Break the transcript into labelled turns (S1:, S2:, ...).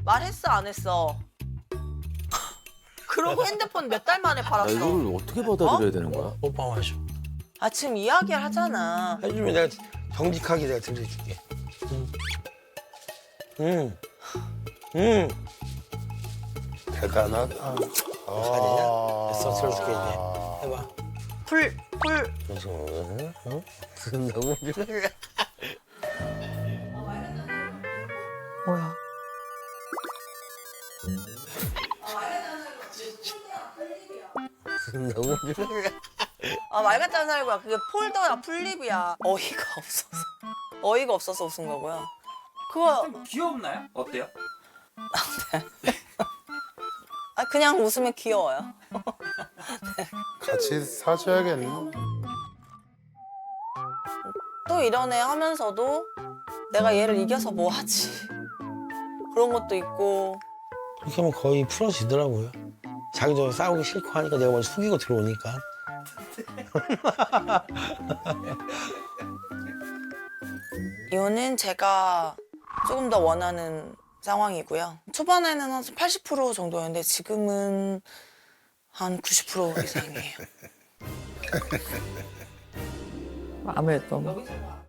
S1: 말했어 안 했어? 그러고 핸드폰 몇 달 만에
S2: 나
S1: 팔았어.
S2: 이거를 어떻게 받아들여야 되는 거야?
S3: 오빠 마셔.
S1: 아 지금 이야기를 하잖아.
S3: 해주면 내가 정직하게 내가 들려줄게. 대단하다. 어디가 되냐? 됐어, 들어줄게 이제. 해봐.
S1: 풀.
S3: 무슨 너무
S1: 뭐야?
S3: 너무
S1: 아 말 같지 않은 살구야. 그게 폴더야 풀립이야. 어이가 없어서 웃은 거고요. 그거
S4: 귀엽나요? 어때요?
S1: 아 그냥 웃으면 귀여워요.
S5: 같이 사줘야겠네.
S1: 또 이런 애 하면서도 내가 얘를 이겨서 뭐 하지? 그런 것도 있고.
S3: 그렇게 하면 거의 풀어지더라고요. 자기도 싸우기 싫고 하니까 내가 먼저 숙이고 들어오니까.
S1: 이거는 제가 조금 더 원하는 상황이고요. 초반에는 한 80% 정도였는데 지금은 한 90% 이상이에요.
S6: 아무래도